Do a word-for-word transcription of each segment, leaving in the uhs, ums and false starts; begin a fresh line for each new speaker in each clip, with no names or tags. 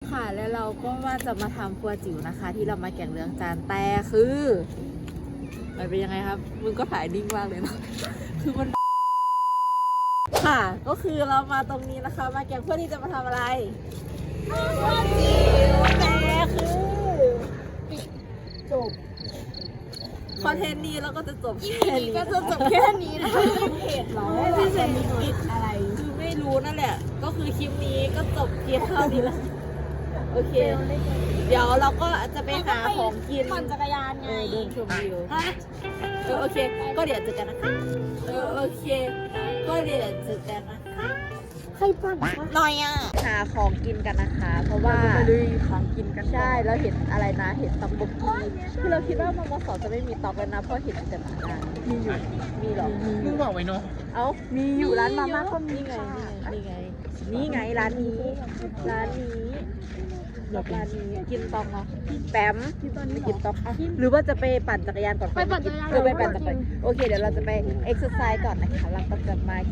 ค่ะแล้วเราก็ว่าจะมาทำครัวจิ๋วนะคะ ที่เรามาแกงเรืองจานแต่คือมันเป็นยังไงครับมึงก็ถ่ายนิ่งมากเลยเนาะคือมันค่ะก็คือเรามาตรงนี้นะคะ มาแกงเพื่อที่จะมาทำอะไรครัวจิ๋วแต่คือจบคอนเทนต์นี้เราก็จะจบแค่นี้ก็จะจบแค่นี้นะคะเพจเราไม่ใช่ปิดอะไรคือไม่รู้นั่นแหละก็คือคลิปนี้ก็จบเพียงเท่านี้แล้วโอเคเดี๋ยวเราก็จะไปหาของกินปั่นจักรยานไงเดินชมวิวเออโอเคก็เดี๋ยวเจอกันนะคะเออโอเคก็เดี๋ยวเจอกันนะคะใครปั่นหน่อยอ่ะหาของกินกันนะคะเพราะว่าไปดูของกินกันใช่เราเห็นอะไรนะเห็นตำบกกีคือเราคิดว่ามมสจะไม่มีตอกแล้วนะเพราะเห็นแต่หมาดามีอยู่มีหรอ
มึงบอกไว้เนาะ
เอ้ามีอยู่ร้านมาม่าก็มีไงนี่ไงนี่ไงร้านนี้ร้านนี้ร้านนี้กินตองเนาะแปมไปกินตองหรือว่าจะไปปั่นจักรยานก่อน
ไปปั่นจักรยาน
เออไปปั่นจักรยานโอเคเดี๋ยวเราจะไปเอ็กซ์ไซส์ก่อนนะคะเราก็จะมา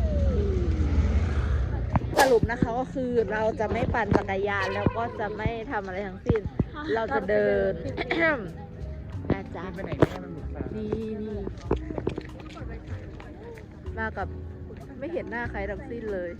สรุปนะคะก็คือเราจะไม่ปั่นจักรยานแล้วก็จะไม่ทำอะไรทั้งสิ้นเราจะเดินอาจารย์
ไปไหนไม่ได้มันหมุนฟ้า
นี่นี่มากับไม่เห็นหน้าใครทั้งสิ้นเลย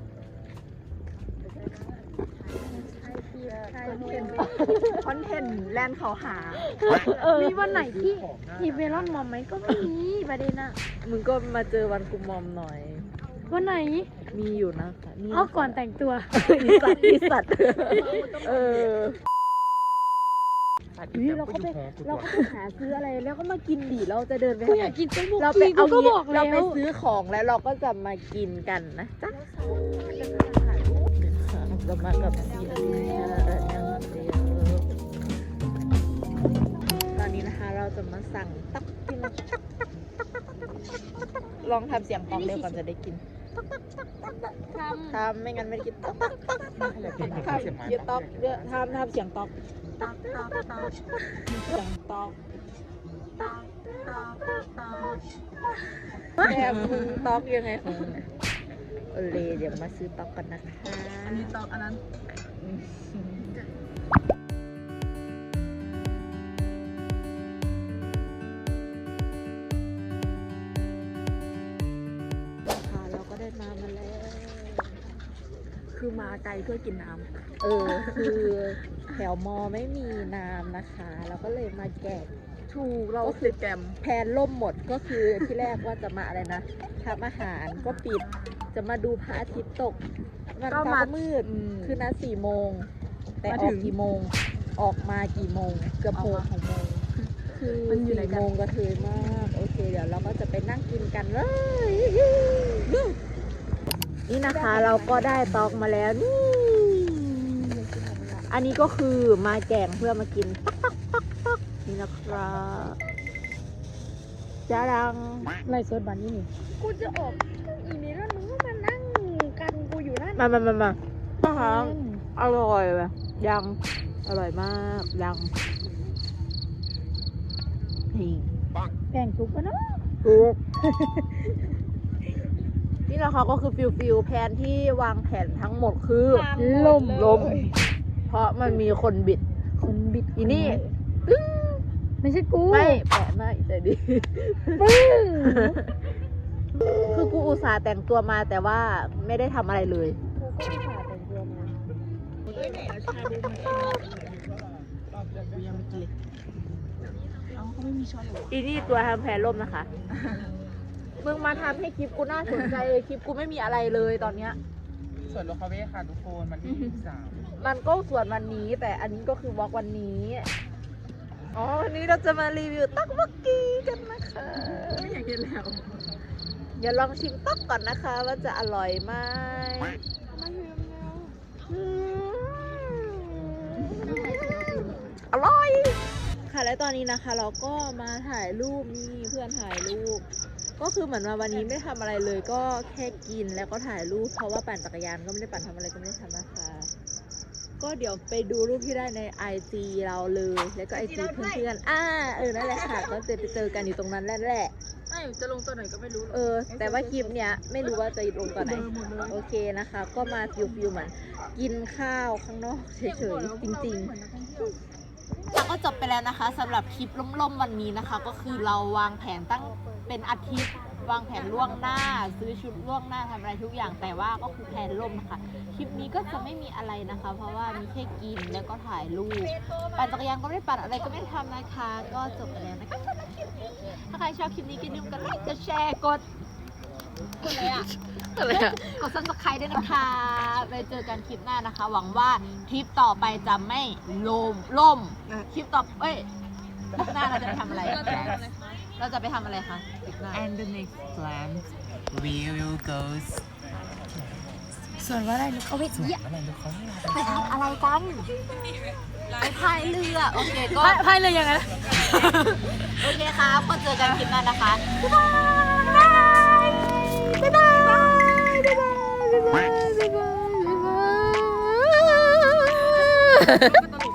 คอนเทนต์แลนด์เขาหา
มีวันไหนที่ทีเมลอนมอมไหมก็มีประเด็นอะ
มึงก็มาเจอวันกูมอมหน่อย
วันไหน
มีอยู่นะคะนี่
เอาก่อนแต่งตัว
อีสัตว์อีสัตว์เออเราก็ไปเราก็ไปหาซื้ออะไรแล้วก็มากินดิเราจะเดินไป
กูอยากกินต้มบุก
เราไปเอา
ก็
งี้
บอกแล้
เรา
ว
ไปซื้อของแล้วเราก็จะมากินกันนะจ๊ะเรามากับซีตอนนี้นะคะเราจะมาสั่งตักกินลองทำเสียงตอกเร็วก่อนจะได้กินทำไม่งั้นไม่ได้กินตอกตอกตอกตอกทำเสียงตอกเยอะทำทำเสียงตอกตอกตอกตอกเสียงตอกแม่มึงตอกยังไงของมึงโอเลเดี๋ยวมาซื้อตอกกันนะคะ
อันนี้ตอกอันนั้น
มามาแล้ว
คือมาไกลเพื่อกินน้
ำเออคือแถวมอไม่มีน้ำนะคะเราก็เลยมาแกะ
ถูกเราก็คือแกม
แพนล่มหมดก็คือที่แรกว่าจะมาอะไรนะทำอาหารก็ปิดจะมาดูพระอาทิตย์ตกมันฟ้ามืดคือนัดสี่โมงแต่ออกกี่โมงออกมากี่โมงเกือบหกโมงคือสี่โมงก็เทมากโอเคเดี๋ยวเราก็จะไปนั่งกินกันเลยนี่นะคะเราก็ได้ตอกมาแล้วนี่อันนี้ก็คือมาแกงเพื่อมากินปักปักปักปักนี่นะครับจ้าดัง
ไล่สดบันนี่นี่กูจะออกอีเมลแล้วมึงก็มานั่งกันกูอยู่นั่น
มามามามานะคะอร่อยแบบยังอร่อยมากยังนี่
แกงซุปกันเนาะ
ซุปนี่นะคะก็คือฟิลฟิลแผนที่วางแผนทั้งหมดคือลมลมเพราะมันมีคนบิด
คนบิด
อีนี่
ไม่ใช่กู
ไม่แปะไม่ใจดีคือกูอุตส่าห์แต่งตัวมาแต่ว่าไม่ได้ทำอะไรเลย
กูก็อุตส่าห์แต่งตัวมา
เฮ้ยไหนเอาชาบูมากินรอบเดียวกูยังไม่กินเลยเอ้าเขาไม่มีช้อนหรอ
อีนี่ตัวทำแผนล่มนะคะมึงมาทำให้คลิปกูน่าสนใจเลยคลิปกูไม่มีอะไรเลยตอนเนี้ย
ส่วนโลคาเฟ่ค่ะทุกคนมันที่สาม
มันก็ส่วนวันนี้แต่อันนี้ก็คือวอล์กวันนี้อ๋อวันนี้เราจะมารีวิวต๊อกบักกี้กันนะคะ
ไม่อยากกินแล้ว
อย่าลองชิมต๊อกก่อนนะคะว่าจะอร่อยไหมอร่อยค่ะและตอนนี้นะคะเราก็มาถ่ายรูปนี่เพื่อนถ่ายรูปก็คือเหมือนว่าวันนี้ไม่ทำอะไรเลยก็แค่กินแล้วก็ถ่ายรูปเพราะว่าปั่นจักรยานก็ไม่ได้ปั่นทำอะไรก็ไม่ได้ทำนะคะก็เดี๋ยวไปดูรูปที่ได้ใน ไอ จี เราเลยแล้วก็ ไอ จี เพื่อนๆอ่าเออนั่นแหละค่ะก็จะไปเจอกันอยู่ตรงนั้นแหละ
ไม่
จะลงตัวไหนก็ไม่รู้
เออ แต่ว่าคลิปเนี้ยไม่รู้ว่าจะลงตอนไหน
หมดเลย
โอเคนะคะ ก็มาฟิวฟิวเหมือนกินข้าวข้างนอกเฉยๆจริงๆแล้วก็จบไปแล้วนะคะสำหรับคลิปล่มๆวันนี้นะคะ ก็คือเราวางแผนตั้งเป็นอาทิตย์วางแผนล่วงหน้า ซื้อชุดล่วงหน้าทำอะไรทุกอย่างแต่ว่าก็คือแผนล่มนะคะคลิปนี้ก็จะไม่มีอะไรนะคะ เพราะว่ามีแค่กินแล้วก็ถ่ายรูปปั่นจักรยานก็ไม่ได้ปั่นอะไรก็ไม่ได้ทำนะคะ ก็จบไปแล้วนะคะถ้าใครชอบคลิปนี้ก็อย่าลืมกดไลค์กดแชร์กด
กดอะไรอ่ะ
อะไรอะกด ซับสไครบ์ ด้วยนะคะไปเจอกันคลิปหน้านะคะ หวังว่าทริปต่อไปจะไม่ล่มล่มคลิปต่อเอ้ยคลิปหน้าเราจะไปทำอะไร เราจะไปทำอะไรคะคลิปหน้า
And the next plan we will go
ส่วนว่าอะไรลูกเอาไป
สวนอะไรลูกเขาให้เรา
ไปทำอะไรกันไปพายเรือโอเคก็
พายเลยยังไง
โอเคครับก็เจอกันคลิปหน้านะคะบ๊ายบายบ๊ายบายบ๊ายบายบ๊ายบายบ๊ายบายบ๊ายบาย
ตลก